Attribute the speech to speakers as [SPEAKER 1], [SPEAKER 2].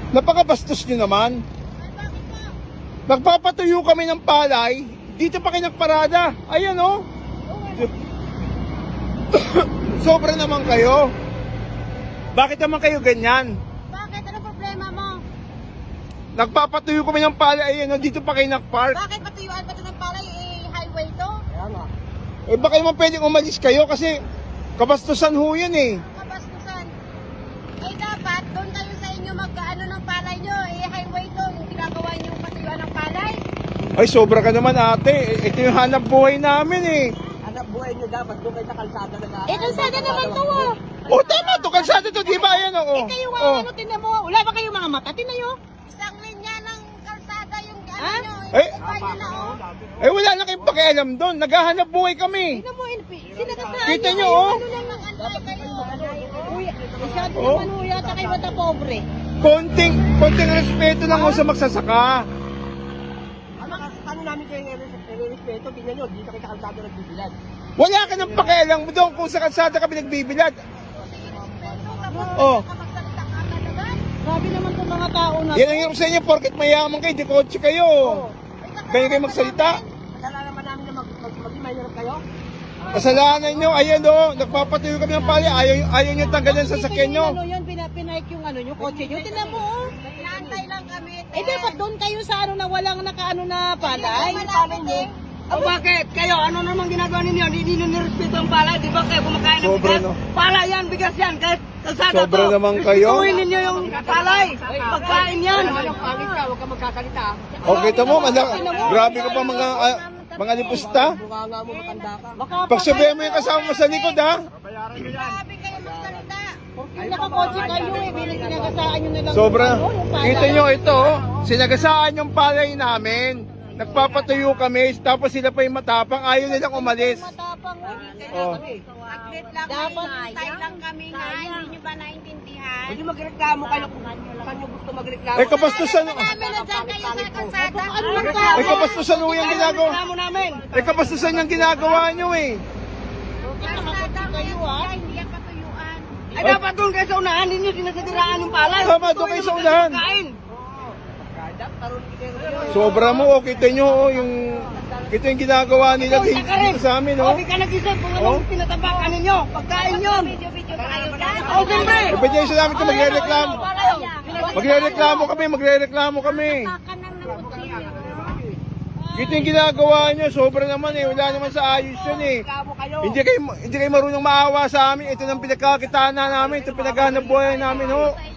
[SPEAKER 1] Napakabastos nyo naman. Nagpapatuyo kami ng palay, dito pa kayo nagparada. Ayan o. Sobra naman kayo. Bakit naman kayo ganyan?
[SPEAKER 2] Bakit? Ano problema mo?
[SPEAKER 1] Nagpapatuyo kami ng palay, ayan o, dito pa kayo nagpark.
[SPEAKER 2] Bakit patuyuan pa ito ng palay? Highway to?
[SPEAKER 1] Eh baka naman pwedeng umalis kayo kasi kabastusan ho yan eh.
[SPEAKER 2] Kabastusan. Dapat doon kayo sa inyo mag-ano ng palay nyo. Highway to. Yung ginagawa nyo patuyuan ng palay.
[SPEAKER 1] Ay sobra ka naman ate, ito yung hanap buhay namin eh.
[SPEAKER 3] Hanap buhay nyo dapat doon kayo sa kalsada na
[SPEAKER 2] Kalsada naman to ah.
[SPEAKER 1] O tama to, kalsada to, di ba? Ayan o.
[SPEAKER 2] Kayo ano, tinan mo. Wala ba kayong mga mata? Tinan nyo. Isang linya ng kalsada yung ano nyo.
[SPEAKER 1] Eh?
[SPEAKER 2] Kayo na oh.
[SPEAKER 1] Eh wala na kayong pakialam doon, naghahanap buhay kami.
[SPEAKER 2] Tinan mo, sinagasaan
[SPEAKER 1] Kita
[SPEAKER 2] nyo.
[SPEAKER 1] nyo oh.
[SPEAKER 2] Ano lang ang antay kayo. Masyado
[SPEAKER 1] Oh.
[SPEAKER 2] naman ho yata kayo mata pobre.
[SPEAKER 1] Konting respeto lang ho sa magsasaka.
[SPEAKER 3] Ano namin kayo nire-respeto, tingnan nyo, dito kayo sa kalsada nagbibilad.
[SPEAKER 1] Wala ka ng pakialam doon kung sa kalsada kami nagbibilad. Oh.
[SPEAKER 2] Magsalita ka talaga. Grabe naman itong mga tao na.
[SPEAKER 1] Yan ang hirap sa inyo, porket mayaman kayo, di kotse kayo. Ganyan kayo magsalita.
[SPEAKER 3] Kasalanan naman namin na maging mahirap kayo.
[SPEAKER 1] Kasalanan nyo, ayan o, nagpapatuyo kami ng pali, ayaw nyo tanggalan sa sakyan nyo.
[SPEAKER 2] Ano yun, pinahike yung ano yung kotse nyo. Tinan mo oh. Inaantay lang kami. Dapat doon kayo sa ano na walang nakaano na palay.
[SPEAKER 3] Bakit? Kayo, ano naman ginagawa ninyo? Hindi nyo nirespeto ang palay, di ba kayo kumakain ng
[SPEAKER 1] Sobra,
[SPEAKER 3] bigas?
[SPEAKER 1] no?
[SPEAKER 3] Palay yan, bigas yan, kahit kalsada
[SPEAKER 1] Sobra
[SPEAKER 3] to.
[SPEAKER 1] naman kayo.
[SPEAKER 3] Respetuhin ninyo yung palay, pagkain yan. Huwag ka magkakalita.
[SPEAKER 1] Okay, tamo, grabe ka pa mga lipusta.
[SPEAKER 3] Mukha nga mo matanda ka.
[SPEAKER 1] Pagsabihan mo yung kasama mo sa likod ha.
[SPEAKER 2] Grabe kayo magsalita. Kung nakakotse kayo bilang sinagasaan nyo na lang.
[SPEAKER 1] Sobra.
[SPEAKER 2] yung palay.
[SPEAKER 1] Kita nyo ito, sinagasaan yung palay namin. Nagpapatuyo kami, tapos sila pa yung matapang, ayaw nilang umalis.
[SPEAKER 2] Matapang
[SPEAKER 1] Oh.
[SPEAKER 2] Saglit lang dapat tayo lang kami nga. Hindi nyo ba naintindihan?
[SPEAKER 3] Hindi magreklamo kayo kung saan nyo gusto magreklamo.
[SPEAKER 1] Eh kapastusan,
[SPEAKER 2] Namin na dyan kayo sa kalsada. Ano
[SPEAKER 1] eh kapastusan ho yung ginagawa.
[SPEAKER 3] Reklamo namin.
[SPEAKER 1] Eh kapastusan yung ginagawa nyo eh.
[SPEAKER 2] Kalsada kayo ah. Hindi yan patuyuan.
[SPEAKER 3] Ay dapat doon kayo sa unahan, hindi nyo sinasadiraan yung palay.
[SPEAKER 1] Tama, doon kayo sa unahan.
[SPEAKER 3] Kain.
[SPEAKER 1] Sobra mo, oh, kita nyo oh, kita yung ginagawa nila dito sa amin oh.
[SPEAKER 3] Okay ka nag-isip kung anong tinatapakan ninyo. Pagkain yun.
[SPEAKER 2] Video tayo dyan.
[SPEAKER 3] O siyempre.
[SPEAKER 1] Ebidensya namin ito, magre-reklamo. Magre-reklamo kami. Kita yung ginagawa nyo, sobra naman eh, wala naman sa ayos yun eh. Hindi kayo marunong maawa sa amin, ito nang pinagkakitaan na namin, ito pinaghanap buhay namin ho.